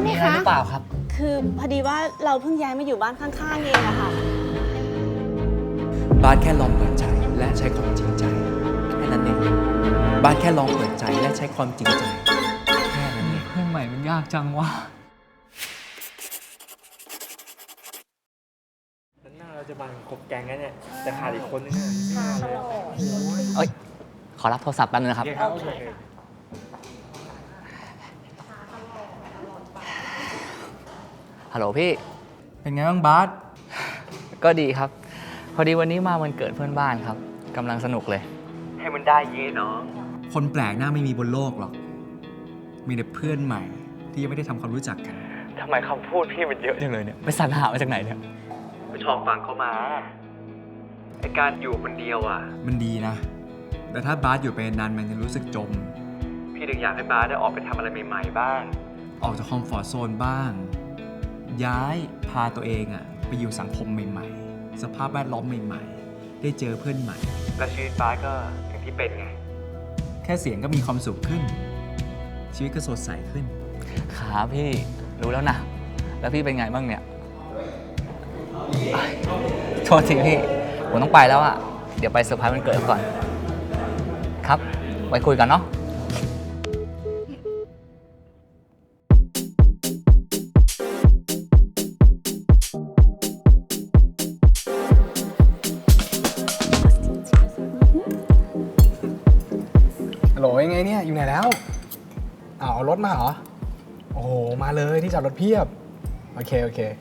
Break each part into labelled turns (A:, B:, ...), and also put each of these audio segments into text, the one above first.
A: ไหมคะ
B: มีอะไรหรือเปล่าครับ
A: คือพอดีว่าเราเพิ่งย้ายมาอยู่บ้านข้างๆเองอะค่ะ
C: บาสแค่ลองเปิดใจและใช้ความจริงใจแค่นั้นเองบาสแค่ลองเปิดใจและใช้ความจริงใจแค่นั้นเอง
B: เพื่อนใหม่มันยากจังวะ
D: หน้าเราจะมาครบแก๊งแล้วเนี่ยแต่ขาดอีกคนนึงอ่ะ
B: เอ้ย ขอรับโทรศัพท์แป๊บนึงนะครับ
D: โอเค
B: ฮัลโหลพี่
C: เป็นไงบ้างบาส
B: ก็ดีครับ พอดีวันนี้มาวันเกิดเพื่อนบ้านครับกำลังสนุกเลย
D: ให้มันได้เยเนาะ
C: คนแปลกหน้าไม่มีบนโลกหรอก มีแต่เพื่อนใหม่ที่ยังไม่ได้ทำความรู้จักกัน
D: ทำไมคำพูดพี่มันเยอะจังเลยเนี่ย
B: ไปสรรหามาจากไหนเนี่ย
D: ไปชอบฟังเขามาไอการอยู่คนเดียวอ่ะ
C: มันดีนะ แต่ถ้าบาสอยู่ไปนานมันจะรู้สึกจม
D: พี่ถึงอยากให้บาสได้ออกไปทำอะไรใหม่ๆบ้าง
C: ออกจากคอมฟอร์ทโซนบ้าง ย้ายพาตัวเองอะไปอยู่สังคมใหม่ๆ สภาพแวดล้อมใหม่ๆ ได้เจอเพื่อนใหม่
D: และชีวิตบาสก็อย่างที่เป็นไง
C: แค่เสียงก็มีความสุขขึ้น ชีวิตก็สดใสขึ้น
B: ครับพี่ รู้แล้วนะ แล้วพี่เป็นไงบ้างเนี่ยโทษทีพี่ ผมต้องไปแล้วอะเดี๋ยวไปเซอร์ไพรส์วันเกิดก่อน ครับ ไว้คุยกันเนาะ
E: ฮัลโหลยังไงเนี่ยอยู่ไหนแล้วเอารถมาเหรอโอ้โหมาเลยที่จอดรถเพียบโอเค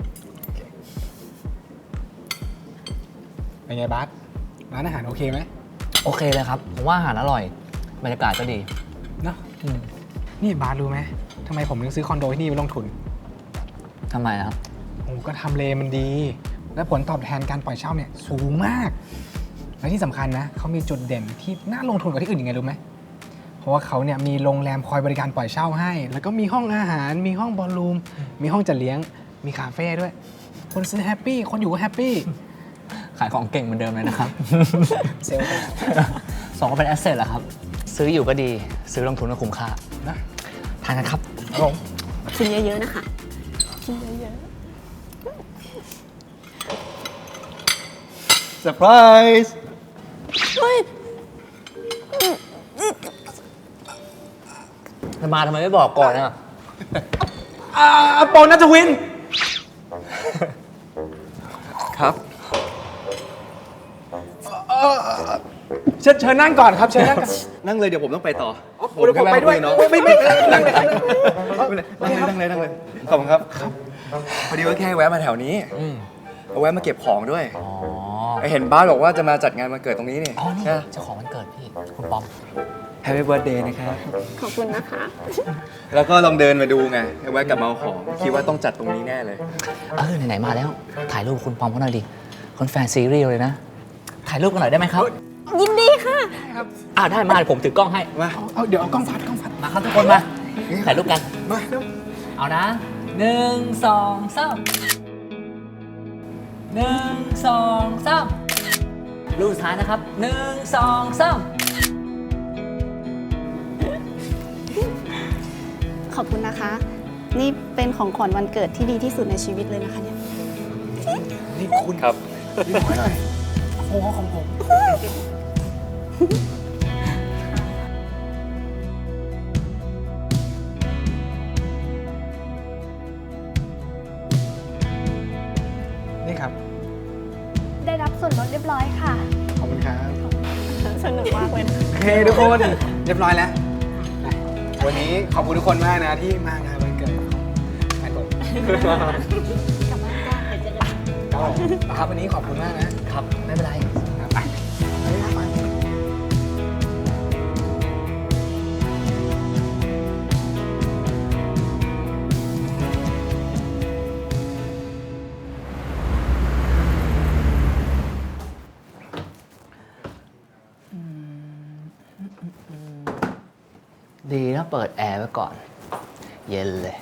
E: เป็นไงบาสร้านอาหารโอเคไหม
B: โอเคเลยครับ ผมว่าอาหารอร่อย บรรยากาศก็ดี
E: เนาะนี่บาสรู้ไหมทำไมผมถึงซื้อคอนโดที่นี่ไปลงทุน
B: ทำไมครับ
E: โอ้ก็ทำเลมันดี และผลตอบแทนการปล่อยเช่าเนี่ยสูงมากและที่สำคัญนะเขามีจุดเด่นที่น่าลงทุนกว่าที่อื่นยังไงรู้ไหมเพราะว่าเขาเนี่ยมีโรงแรมคอยบริการปล่อยเช่าให้ แล้วก็มีห้องอาหาร มีห้องบอลลูม มีห้องจัดเลี้ยง มีคาเฟ่ด้วย คนซื้อแฮปปี้ คนอยู่ก็แฮปปี้
B: ขายของเก่งเหมือนเดิมเลยนะครับ
E: เซลล์ไป
B: สองก็เป็นแอสเซทแหละครับ ซื้ออยู่ก็ดี ซื้อลงทุนก็คุ้มค่า
E: นะ
B: ทานกันครับ
E: ครับผม
A: กินเยอะๆนะคะกินเยอะ
C: เซอร์ไพรส์
A: ๆเฮ้ย
B: มาทำไมไม่บอกก่อนอ่ะ
E: โปนัทวิน
C: ครับ
E: เชิญนั่งก่อนครับ เชิญนั่งก่อน
C: นั่งเลยเดี๋ยวผมต้องไปต่อ
E: เดี๋ยวผมไปด้วย
C: เนาะ
E: ไม่นั่งเลย
C: นั่งเลยขอบคุณครับ พอดีว่าแค่แวะมาแถวนี้เอาแวะมาเก็บของด้วย
B: อ๋อ
C: เห็นบ้านบอกว่าจะมาจัดงานวันเกิดตรงนี้นี่
B: อ๋อ นี่
C: ใช่
B: เจ้าของวันเกิดพี่ คุณปอม
C: แฮปปี้เบิร์ดเดย์นะครับ
A: ขอบคุณนะคะ
C: แล้วก็ลองเดินมาดูไงแวะกลับมาเอาของ คิดว่าต้องจัดตรงนี้แน่เลย
B: ไหนๆมาแล้ว ถ่ายรูปคุณปอมเขาหน่อยดิ คนแฟนซีรีส์เลยนะ ถ่ายรูปกันหน่อยได้ไหมครับ
A: ยินดีค่ะ
B: ได้มาเดี๋ยวผมถือกล้องให้
C: มา
E: เอาเดี๋ยวเอากล้องฟัด
B: มาครับทุกคนมา ถ่ายรูปกัน
E: มาเร็ว
B: เอานะ1 2 3 1 2 3รูปสุดท้ายนะครับ1 2 3
A: ขอบคุณนะคะ นี่เป็นของขวัญวันเกิดที่ดีที่สุดในชีวิตเลยนะคะเนี่ย
E: นี่คุณ
C: ครับ
E: รีบขอหน่อยโอ้โหของผมนี่ครับ
F: ได้รับส่วนลดเรียบร้อยค่ะ
E: ขอบคุณครับ
A: สนุกมากเลยนะ
E: โอเคทุกคนเรียบร้อยแล้วไปวันนี้ขอบคุณทุกคนมากนะที่มางานวันเกิดของแฟนผมครับวันนี้ขอบคุณมากนะครับ
B: ไม่เป็นไร
E: ครับไปไป
B: ดีนะเปิดแอร์ไว้ก่อน เย็นเลย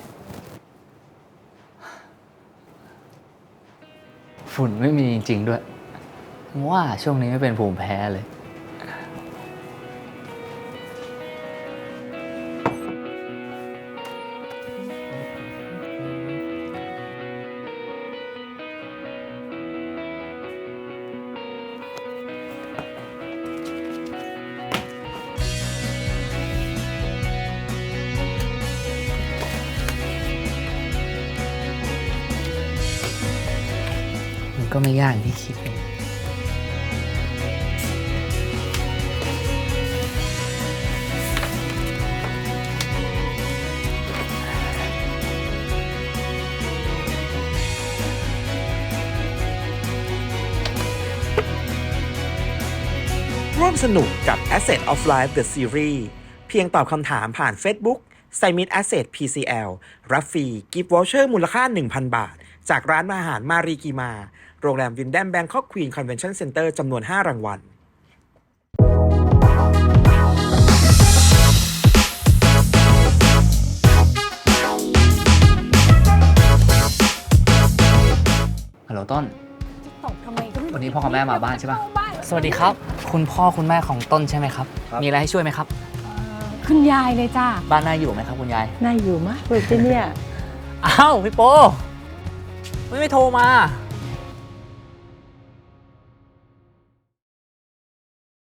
B: ฝุ่นไม่มีจริง ๆ ด้วย ว่าช่วงนี้ไม่เป็นภูมิแพ้เลยก็ไม่ยากอย่างที่คิดเลย
G: ร่วมสนุกกับ Asset of Life The Series เพียงตอบคำถามผ่าน Facebook Simit Asset PCL รับฟรีกิฟต์วอเชอร์มูลค่า 1,000 บาท จากร้านอาหารมารีกีมา โรงแรมวินแดมแบงคอกควีนคอนเวนชั่นเซ็นเตอร์จำนวน 5 รางวัล
B: ฮัลโหลต้น
H: ตกทำไมก็ไม่รู้
B: วันนี้พ่อกับแม่มาบ้านใช่ปะ
H: เข้บ้าน
B: สวัสดีครับ คุณพ่อคุณแม่ของต้นใช่ไหมครับ มีอะไรให้ช่วยไหมครับ
H: คุณยายเลยจ้า
B: บ้านน่าอยู่ไหมครับคุณยาย
H: น่าอยู่มากเลยที่เนี่ย
B: อ้าวพี่โปไม่โทรมา